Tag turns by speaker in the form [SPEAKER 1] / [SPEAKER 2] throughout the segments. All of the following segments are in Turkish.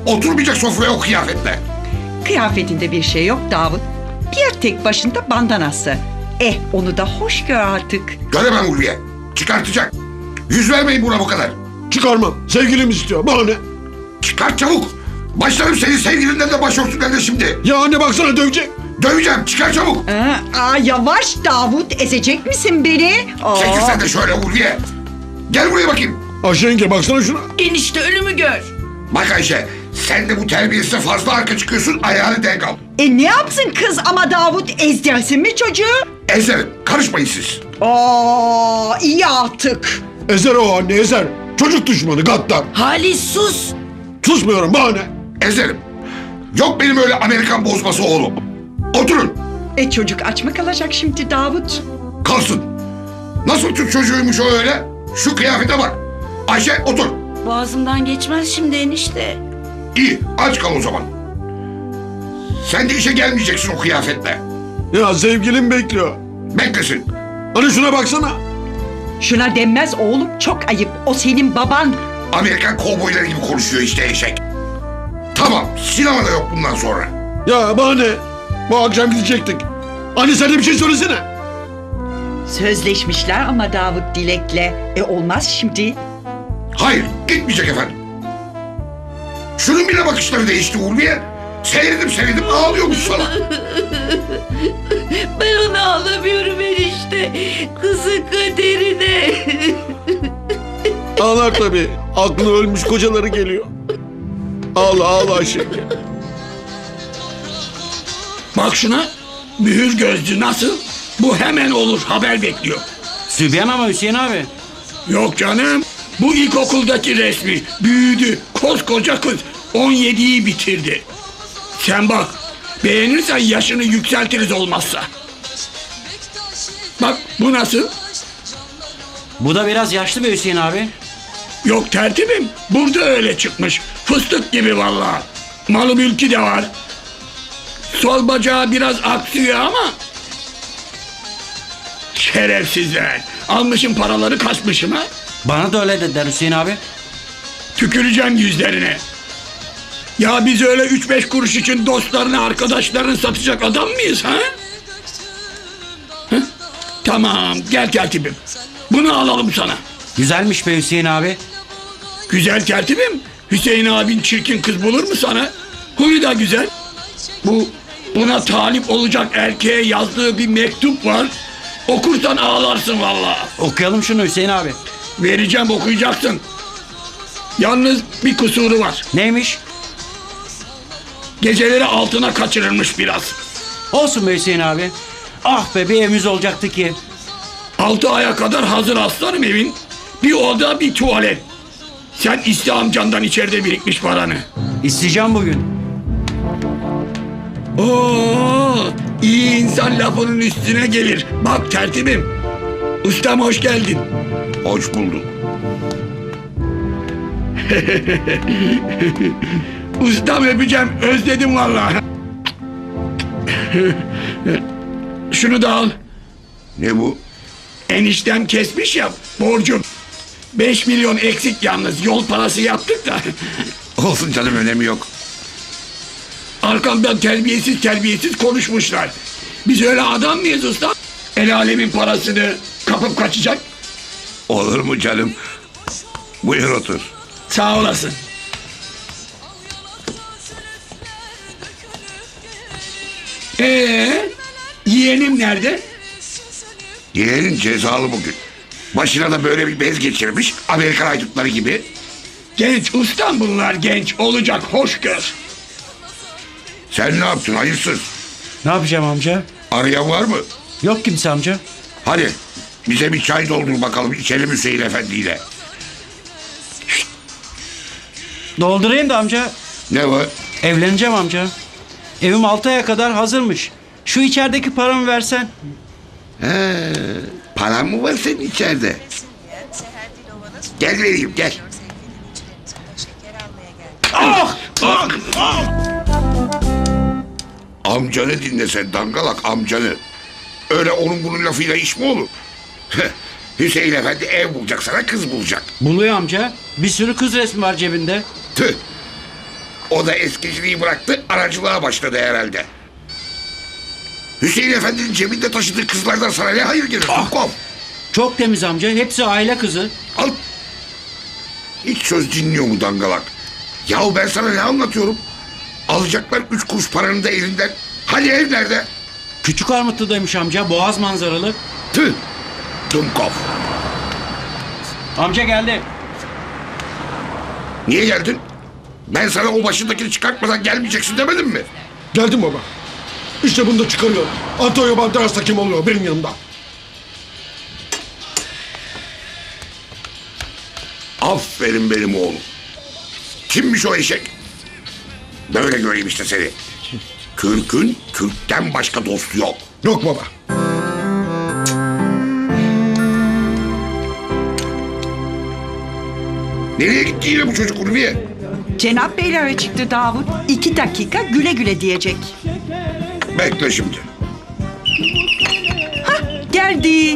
[SPEAKER 1] Oturmayacak sofraya o kıyafetle.
[SPEAKER 2] Kıyafetinde bir şey yok Davut. Bir tek başında bandanası. Onu da hoş gör artık.
[SPEAKER 1] Göremem Ulviye. Çıkartacak. Yüz vermeyin buna bu kadar.
[SPEAKER 3] Çıkarmam. Sevgilim istiyor. Bana ne?
[SPEAKER 1] Çıkart çabuk. Başlarım senin sevgilinden de başörtünden de şimdi.
[SPEAKER 3] Ya anne baksana dövecek.
[SPEAKER 1] Döveceğim. Çıkar çabuk.
[SPEAKER 2] Yavaş Davut, ezecek misin beni?
[SPEAKER 1] Çekil sen de şöyle Ulviye. Gel buraya bakayım.
[SPEAKER 3] Ayşe yenge baksana şuna.
[SPEAKER 4] Enişte ölümü gör.
[SPEAKER 1] Bak Ayşe. Sen de bu terbiyesize fazla arka çıkıyorsun. Ayağını denk al.
[SPEAKER 2] Ne yapsın kız ama Davut, ezdirsin mi çocuğu?
[SPEAKER 1] Ezerim. Karışmayın siz.
[SPEAKER 2] İyi artık.
[SPEAKER 3] Ezer o anne ezer. Çocuk düşmanı gaddar.
[SPEAKER 4] Halis sus.
[SPEAKER 3] Susmuyorum bana ne?
[SPEAKER 1] Ezerim. Yok benim öyle Amerikan bozması oğlum. Oturun.
[SPEAKER 2] Çocuk aç mı kalacak şimdi Davut?
[SPEAKER 1] Kalsın. Nasıl Türk çocuğuymuş o öyle? Şu kıyafete bak. Ayşe otur.
[SPEAKER 4] Boğazımdan geçmez şimdi enişte.
[SPEAKER 1] İyi aç kal o zaman. Sen de işe gelmeyeceksin o kıyafetle.
[SPEAKER 3] Ya sevgilim bekliyor.
[SPEAKER 1] Beklesin.
[SPEAKER 3] Hani şuna baksana.
[SPEAKER 2] Şuna denmez oğlum, çok ayıp. O senin baban.
[SPEAKER 1] Amerikan kovboyları gibi konuşuyor işte eşek. Tamam sinemada yok bundan sonra.
[SPEAKER 3] Ya bana ne? Bu akşam gidecektik. Hani sen de bir şey söylesene.
[SPEAKER 2] Sözleşmişler ama Davut Dilek'le. Olmaz şimdi.
[SPEAKER 1] Hayır gitmeyecek efendim. Şunun bile bakışları değişti Ulviye. Seyredim ağlıyormuş sana.
[SPEAKER 4] Ben onu ağlamıyorum enişte. Kızın kaderine.
[SPEAKER 3] Ağlar tabii. Aklı ölmüş kocaları geliyor. Ağla ağla Ayşe yenge.
[SPEAKER 5] Bak şuna. Mühür gözlü nasıl? Bu hemen olur, haber bekliyor.
[SPEAKER 6] Sübyan ama Hüseyin abi.
[SPEAKER 5] Yok canım. Bu ilkokuldaki resmi. Büyüdü. Koskoca kız. 17'yi bitirdi. Sen bak. Beğenirsen yaşını yükseltiriz olmazsa. Bak bu nasıl?
[SPEAKER 6] Bu da biraz yaşlı be Hüseyin abi.
[SPEAKER 5] Yok tertibim. Burada öyle çıkmış. Fıstık gibi vallahi. Malı mülkü de var. Sol bacağı biraz aksıyor ama... Şerefsizler. Almışım paraları kaçmışım ha.
[SPEAKER 6] Bana da öyle dediler Hüseyin abi.
[SPEAKER 5] Tüküreceğim yüzlerine. Ya biz öyle 3-5 kuruş için dostlarını, arkadaşlarını satacak adam mıyız ha? Hı? Tamam, gel tertibim. Bunu alalım sana.
[SPEAKER 6] Güzelmiş be Hüseyin abi.
[SPEAKER 5] Güzel tertibim. Hüseyin abin çirkin kız bulur mu sana? Huyu da güzel. Buna talip olacak erkeğe yazdığı bir mektup var. Okursan ağlarsın vallahi.
[SPEAKER 6] Okuyalım şunu Hüseyin abi.
[SPEAKER 5] Vereceğim, okuyacaksın. Yalnız bir kusuru var.
[SPEAKER 6] Neymiş?
[SPEAKER 5] Geceleri altına kaçırılmış biraz.
[SPEAKER 6] Olsun be Hüseyin abi. Ah be bir evimiz olacaktı ki.
[SPEAKER 5] 6 aya kadar hazır aslanım evin. Bir oda bir tuvalet. Sen iste amcandan içeride birikmiş paranı.
[SPEAKER 6] İsteyeceğim bugün.
[SPEAKER 5] Oo, iyi insan lafının üstüne gelir. Bak tertibim. Ustam hoş geldin.
[SPEAKER 1] Hoş bulduk.
[SPEAKER 5] Ustam öpeceğim. Özledim vallahi. Şunu da al.
[SPEAKER 1] Ne bu?
[SPEAKER 5] Eniştem kesmiş ya borcum. 5 milyon eksik yalnız. Yol parası yaptık da.
[SPEAKER 1] Olsun canım önemi yok.
[SPEAKER 5] Arkamdan terbiyesiz konuşmuşlar. Biz öyle adam mıyız usta? El alemin parasını kapıp kaçacak.
[SPEAKER 1] Olur mu canım? Buyur otur.
[SPEAKER 5] Sağ olasın. Yeğenim nerede?
[SPEAKER 1] Yeğenin cezalı bugün. Başına da böyle bir bez geçirmiş. Amerikan haydutları gibi.
[SPEAKER 5] Genç ustam bunlar genç. Olacak hoş gör.
[SPEAKER 1] Sen ne yaptın hayırsız?
[SPEAKER 6] Ne yapacağım amca?
[SPEAKER 1] Arayan var mı?
[SPEAKER 6] Yok kimse amca.
[SPEAKER 1] Hadi bize bir çay doldur bakalım içelim Hüseyin Efendi ile.
[SPEAKER 6] Doldurayım da amca.
[SPEAKER 1] Ne var?
[SPEAKER 6] Evleneceğim amca. Evim 6 aya kadar hazırmış. Şu içerideki paramı versen.
[SPEAKER 1] Paran mı var senin içeride? Gel vereyim gel. Amcanı dinle sen dangalak amcanı. Öyle onun bunun lafıyla iş mi olur? Hüseyin Efendi ev bulacak sana kız bulacak.
[SPEAKER 6] Buluyor amca. Bir sürü kız resmi var cebinde.
[SPEAKER 1] Tüh. O da eskiciliği bıraktı, aracılığa başladı herhalde. Hüseyin Efendi'nin cebinde taşıdığı kızlardan sana ne hayır gelir Dumkov?
[SPEAKER 6] Çok temiz amca. Hepsi aile kızı.
[SPEAKER 1] Al. Hiç söz dinliyor mu dangalak? Yahu ben sana ne anlatıyorum? Alacaklar 3 kuruş paranı da elinden. Hani ev nerede?
[SPEAKER 6] Küçük Armutlu'daymış amca. Boğaz manzaralı.
[SPEAKER 1] Tüh. Dumkov.
[SPEAKER 6] Amca geldi.
[SPEAKER 1] Niye geldin? Ben sana o başındakini çıkartmadan gelmeyeceksin demedim mi?
[SPEAKER 3] Geldim baba. İşte bunu da çıkarıyor. Antonio Banderas da kim oluyor benim yanımda?
[SPEAKER 1] Aferin benim oğlum. Kimmiş o eşek? Böyle göreyim işte seni. Türk'ün Türk'ten başka dostu yok.
[SPEAKER 3] Yok baba.
[SPEAKER 1] Nereye gitti yine bu çocuk Ulviye?
[SPEAKER 2] Cenap Beylere çıktı Davut. 2 dakika güle güle diyecek.
[SPEAKER 1] Bekle şimdi.
[SPEAKER 2] Geldi.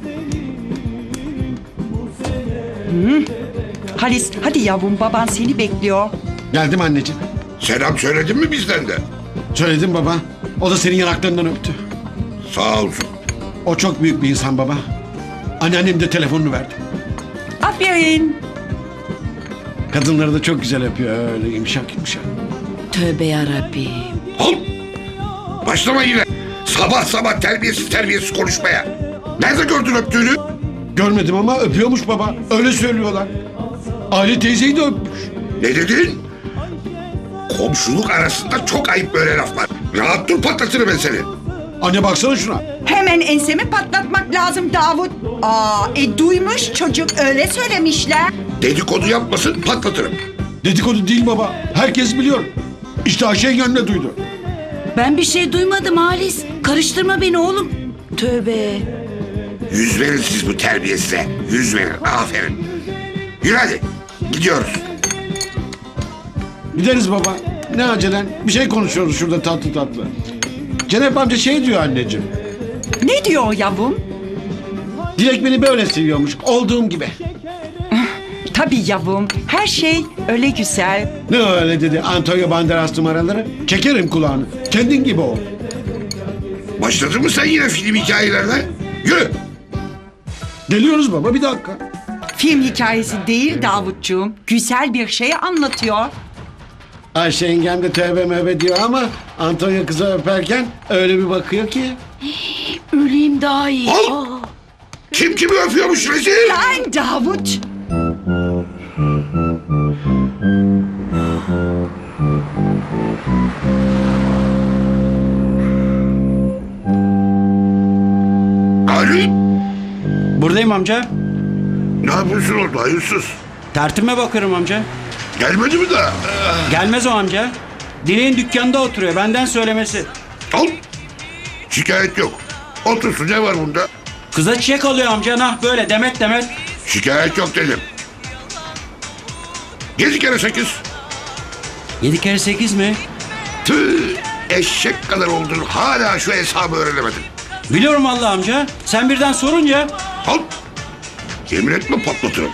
[SPEAKER 2] Halis hadi yavrum, baban seni bekliyor.
[SPEAKER 3] Geldim anneciğim.
[SPEAKER 1] Selam söyledin mi bizden de?
[SPEAKER 3] Söyledim baba. O da senin yanaklarından öptü.
[SPEAKER 1] Sağ olsun.
[SPEAKER 3] O çok büyük bir insan baba. Anneannem de telefonunu verdi.
[SPEAKER 2] Aferin.
[SPEAKER 3] Kadınları da çok güzel öpüyor öyle yumuşak yumuşak.
[SPEAKER 4] Tövbe yarabbim.
[SPEAKER 1] Al. Başlama yine. Sabah sabah terbiyesiz konuşmaya. Nerede gördün öptüğünü?
[SPEAKER 3] Görmedim ama öpüyormuş baba. Öyle söylüyorlar. Ali teyzeyi de öpmüş.
[SPEAKER 1] Ne dedin? Komşuluk arasında çok ayıp böyle laflar. Rahat dur, patlatırım ben seni.
[SPEAKER 3] Anne baksana şuna.
[SPEAKER 2] Hemen ensemi patlatmak lazım Davut. Duymuş çocuk, öyle söylemişler.
[SPEAKER 1] Dedikodu yapmasın, patlatırım.
[SPEAKER 3] Dedikodu değil baba. Herkes biliyor. İşte Ayşe yenge de duydu.
[SPEAKER 4] Ben bir şey duymadım Halis. Karıştırma beni oğlum. Tövbe.
[SPEAKER 1] Yüz verin siz bu terbiyesize. Yüz verin, aferin. Yürü hadi, gidiyoruz.
[SPEAKER 3] Gideriz baba. Ne acelen? Bir şey konuşuyoruz şurada tatlı tatlı. Cenap amca şey diyor anneciğim.
[SPEAKER 2] Ne diyor yavrum?
[SPEAKER 3] Dilek beni böyle seviyormuş. Olduğum gibi.
[SPEAKER 2] Tabii yavrum, her şey öyle güzel.
[SPEAKER 3] Ne öyle dedi Antonio Banderas numaraları? Çekerim kulağını. Kendin gibi ol.
[SPEAKER 1] Başladın mı sen yine film hikayelerine? Yürü.
[SPEAKER 3] Geliyoruz baba bir dakika.
[SPEAKER 2] Film hikayesi değil Davutcuğum, güzel bir şey anlatıyor.
[SPEAKER 3] Ayşe yengem de tövbe mövbe diyor ama Antonio kızı öperken öyle bir bakıyor ki.
[SPEAKER 4] Öleyim daha iyi.
[SPEAKER 1] Al. Kim kimi öpüyormuş rezil?
[SPEAKER 2] Lan Davut!
[SPEAKER 1] Ali,
[SPEAKER 6] Buradayım amca.
[SPEAKER 1] ne yapıyorsun orada hayırsız?
[SPEAKER 6] Tertime bakıyorum amca.
[SPEAKER 1] Gelmedi mi daha?
[SPEAKER 6] Gelmez o amca. Dileğin dükkanda oturuyor. Benden söylemesi.
[SPEAKER 1] Al. Şikayet yok. Otursun, ne var bunda?
[SPEAKER 6] Kıza çiçek alıyor amca. Nah böyle demet demet.
[SPEAKER 1] Şikayet yok dedim. 7 kere 8.
[SPEAKER 6] 7 kere 8 mi?
[SPEAKER 1] Tüh, eşek kadar oldun, hala şu hesabı öğrenemedin.
[SPEAKER 6] Biliyorum vallahi amca. Sen birden sorunca.
[SPEAKER 1] Al. Yemin etme, patlatırım.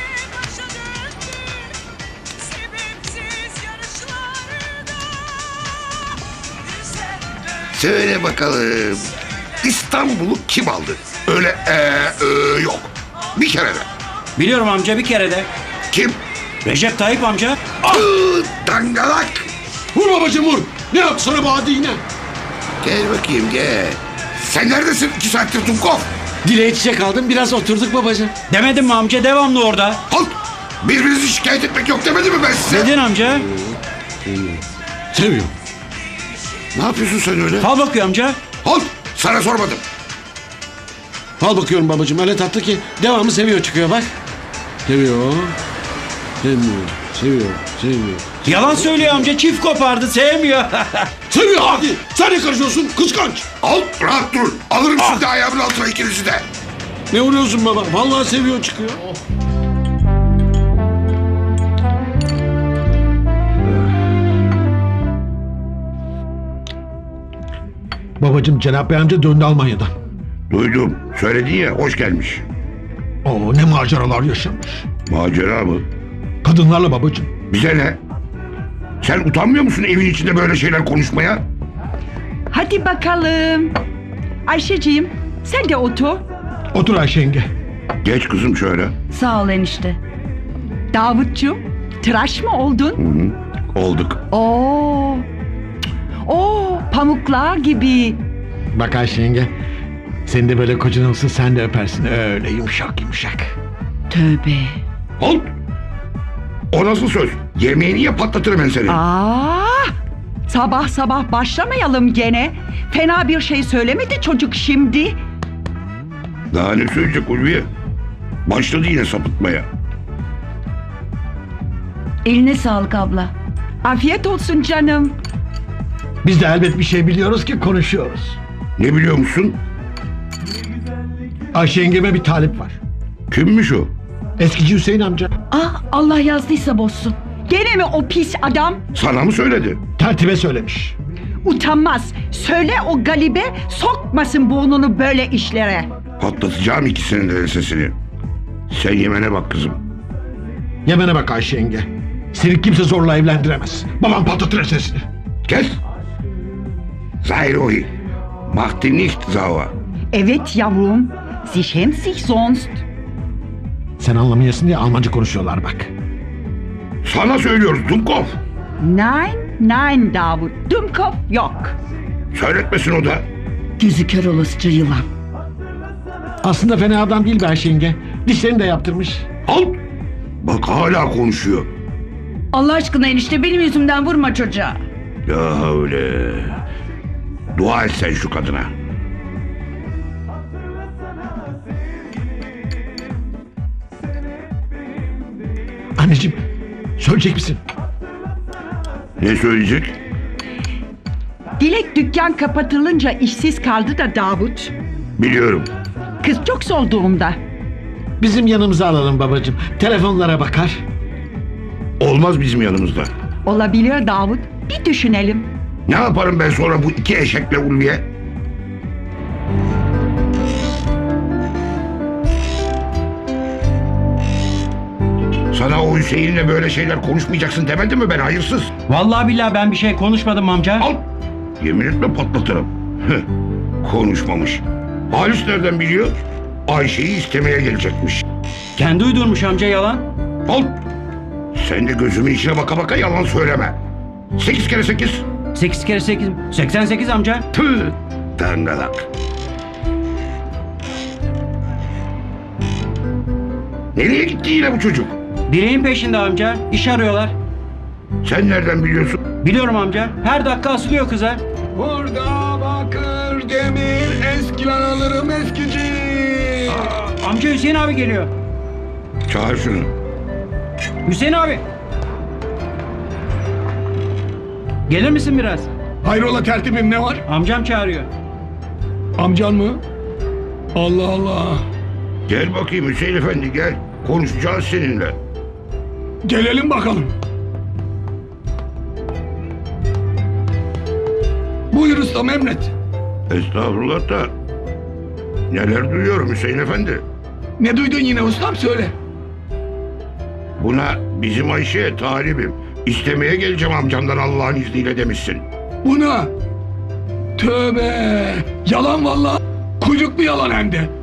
[SPEAKER 1] Söyle bakalım. İstanbul'u kim aldı? Öyle yok. Bir kere de.
[SPEAKER 6] Biliyorum amca, bir kere de.
[SPEAKER 1] Kim?
[SPEAKER 6] Recep Tayyip amca.
[SPEAKER 1] Dangalak.
[SPEAKER 3] Vur babacığım vur. Ne yaptı sana bu hadi yine?
[SPEAKER 1] Gel bakayım gel. Sen neredesin 2 saattir Dumkov?
[SPEAKER 3] Dileğe çiçek aldım biraz oturduk babacığım.
[SPEAKER 6] Demedim mi amca, devamlı orada.
[SPEAKER 1] Halt! Birbirinizi şikayet etmek yok demedim mi ben size?
[SPEAKER 6] Dedin amca.
[SPEAKER 3] Seviyor.
[SPEAKER 1] Ne yapıyorsun sen öyle?
[SPEAKER 6] Fal bakıyor amca.
[SPEAKER 1] Halt! Sana sormadım.
[SPEAKER 3] Al bakıyorum babacığım öyle tatlı ki devamı seviyor çıkıyor bak. Seviyor. Seviyor.
[SPEAKER 6] Yalan söylüyor amca, çift kopardı, sevmiyor.
[SPEAKER 3] Seviyor hadi. Sen ne karışıyorsun kıskanç.
[SPEAKER 1] Al, rahat dur. Alırım şimdi ayağımın altına ikinizi de.
[SPEAKER 3] Ne vuruyorsun baba? Vallahi seviyor çıkıyor.
[SPEAKER 7] Babacım Cenap Bey amca döndü Almanya'dan.
[SPEAKER 1] Duydum. Söyledin ya, hoş gelmiş.
[SPEAKER 7] Oo ne maceralar yaşamış.
[SPEAKER 1] Macera mı?
[SPEAKER 7] Kadınlarla babacım.
[SPEAKER 1] Bize ne? Sen utanmıyor musun evin içinde böyle şeyler konuşmaya?
[SPEAKER 2] Hadi bakalım. Ayşeciğim sen de otur.
[SPEAKER 7] Otur Ayşe yenge.
[SPEAKER 1] Geç kızım şöyle.
[SPEAKER 4] Sağ ol enişte.
[SPEAKER 2] Davutcuğum tıraş mı oldun?
[SPEAKER 1] Olduk.
[SPEAKER 2] Oo. Oo, pamuklar gibi.
[SPEAKER 3] Bak Ayşe yenge. Senin de böyle kocan olsa sen de öpersin. Öyle yumuşak yumuşak.
[SPEAKER 4] Tövbe.
[SPEAKER 1] Halt! O nasıl söz? Yemeğini ye patlatırım ben seni.
[SPEAKER 2] Sabah sabah başlamayalım gene. Fena bir şey söylemedi çocuk şimdi.
[SPEAKER 1] Daha ne söyleyecek Ulviye? Başladı yine sapıtmaya.
[SPEAKER 4] Eline sağlık abla.
[SPEAKER 2] Afiyet olsun canım.
[SPEAKER 3] Biz de elbet bir şey biliyoruz ki konuşuyoruz.
[SPEAKER 1] Ne biliyor musun?
[SPEAKER 3] Ayşe yengeme bir talip var.
[SPEAKER 1] Kimmiş o?
[SPEAKER 3] Eskici Hüseyin amca.
[SPEAKER 4] Ah, Allah yazdıysa bozsun.
[SPEAKER 2] Gene mi o pis adam?
[SPEAKER 1] Sana mı söyledi?
[SPEAKER 3] Tertibe söylemiş.
[SPEAKER 2] Utanmaz. Söyle o galibe sokmasın burnunu böyle işlere.
[SPEAKER 1] Patlatacağım ikisinin de sesini. Sen yemene bak kızım.
[SPEAKER 3] Yemene bak Ayşe yenge. Seni kimse zorla evlendiremez. Babam patlatır sesini.
[SPEAKER 1] Kes! Sei ruhig. Mach dich nicht sauer.
[SPEAKER 2] Evet yavrum. Sie schämt sich sonst.
[SPEAKER 3] Sen anlamayasın diye Almanca konuşuyorlar bak.
[SPEAKER 1] Sana söylüyoruz Dumkov.
[SPEAKER 2] Nein, nein Davut. Dumkopf yok.
[SPEAKER 1] Söyletmesin o da.
[SPEAKER 4] Gözü kör olasıca yılan.
[SPEAKER 3] Aslında fena adam değil be Ayşe yenge. Dişlerini de yaptırmış.
[SPEAKER 1] Halt! Bak hala konuşuyor.
[SPEAKER 4] Allah aşkına enişte benim yüzümden vurma çocuğa.
[SPEAKER 1] Ya öyle. Dua et sen şu kadına.
[SPEAKER 3] Anneciğim söyleyecek misin?
[SPEAKER 1] Ne söyleyecek?
[SPEAKER 2] Dilek dükkan kapatılınca işsiz kaldı da Davut.
[SPEAKER 1] Biliyorum.
[SPEAKER 2] Kız çok zor durumda.
[SPEAKER 3] Bizim yanımıza alalım babacığım. Telefonlara bakar.
[SPEAKER 1] Olmaz bizim yanımızda.
[SPEAKER 2] Olabilir Davut. Bir düşünelim.
[SPEAKER 1] Ne yaparım ben sonra bu iki eşekle Ulviye? Sana o Hüseyin'le böyle şeyler konuşmayacaksın demedim mi ben hayırsız?
[SPEAKER 6] Vallahi billahi ben bir şey konuşmadım amca.
[SPEAKER 1] Al! Yemin etme patlatırım. Heh, konuşmamış. Halis nereden biliyor? Ayşe'yi istemeye gelecekmiş.
[SPEAKER 6] Kendi uydurmuş amca yalan.
[SPEAKER 1] Al! Sen de gözümün içine baka baka yalan söyleme. 8 kere 8.
[SPEAKER 6] 8 kere 8. 88 amca.
[SPEAKER 1] Tüh! Dangalak. Nereye gitti yine bu çocuk?
[SPEAKER 6] Dileğin peşinde amca. İş arıyorlar.
[SPEAKER 1] Sen nereden biliyorsun?
[SPEAKER 6] Biliyorum amca. Her dakika asılıyor kıza.
[SPEAKER 5] Burada bakır, demir, eskiler alırım eskici.
[SPEAKER 6] Amca Hüseyin abi geliyor.
[SPEAKER 1] Çağır şunu.
[SPEAKER 6] Hüseyin abi. Gelir misin biraz?
[SPEAKER 5] Hayrola tertibim ne var?
[SPEAKER 6] Amcam çağırıyor.
[SPEAKER 5] Amcan mı? Allah Allah.
[SPEAKER 1] Gel bakayım Hüseyin Efendi gel. Konuşacağız seninle.
[SPEAKER 5] Gelelim bakalım. Buyur ustam emret.
[SPEAKER 1] Estağfurullah da neler duyuyorum Hüseyin Efendi.
[SPEAKER 5] Ne duydun yine ustam söyle.
[SPEAKER 1] Buna bizim Ayşe'ye talibim. İstemeye geleceğim amcamdan Allah'ın izniyle demişsin.
[SPEAKER 5] Buna. Tövbe. Yalan vallahi. Kuyruklu yalan hem de.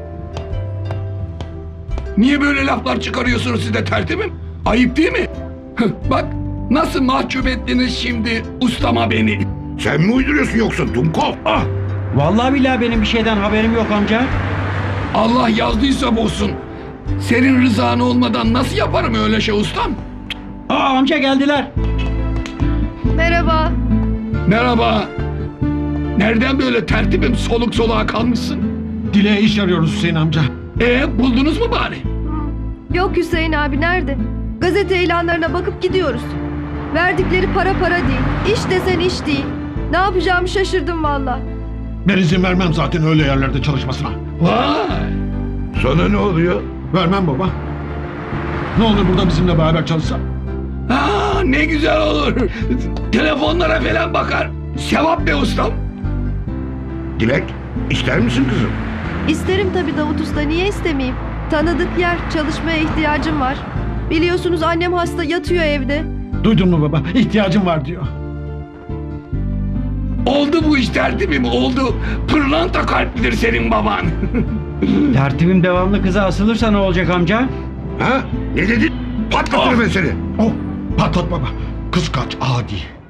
[SPEAKER 5] Niye böyle laflar çıkarıyorsunuz siz de tertibim? Ayıp değil mi? Bak nasıl mahcup ettiniz şimdi ustama beni.
[SPEAKER 1] Sen mi uyduruyorsun yoksa Dumkov? Ah!
[SPEAKER 6] Vallahi billahi benim bir şeyden haberim yok amca.
[SPEAKER 5] Allah yazdıysa bozsun. Senin rızan olmadan nasıl yaparım öyle şey ustam?
[SPEAKER 6] Aa amca geldiler.
[SPEAKER 8] Merhaba.
[SPEAKER 5] Merhaba. Nereden böyle tertibim soluk soluğa kalmışsın?
[SPEAKER 3] Dileğe iş arıyoruz Hüseyin amca.
[SPEAKER 5] Buldunuz mu bari?
[SPEAKER 8] Yok Hüseyin abi nerede? Gazete ilanlarına bakıp gidiyoruz. Verdikleri para değil. İş desen iş değil. Ne yapacağımı şaşırdım valla.
[SPEAKER 3] Ben izin vermem zaten öyle yerlerde çalışmasına.
[SPEAKER 5] Vay.
[SPEAKER 1] Sana ne oluyor?
[SPEAKER 3] Vermem baba. Ne olur burada bizimle beraber çalışsa.
[SPEAKER 5] Ne güzel olur. Telefonlara falan bakar. Sevap be ustam.
[SPEAKER 1] Dilek ister misin kızım?
[SPEAKER 8] İsterim tabii Davut Usta, niye istemeyeyim? Tanıdık yer, çalışmaya ihtiyacım var. Biliyorsunuz annem hasta, yatıyor evde.
[SPEAKER 7] Duydun mu baba? İhtiyacım var diyor.
[SPEAKER 5] Oldu bu iş tertibim oldu. Pırlanta kalplidir senin baban.
[SPEAKER 6] Tertibim devamlı kıza asılırsa ne olacak amca?
[SPEAKER 1] Ha? Ne dedin? Patlatırım ben seni.
[SPEAKER 7] Oh, patlat baba. Kız kaç adi.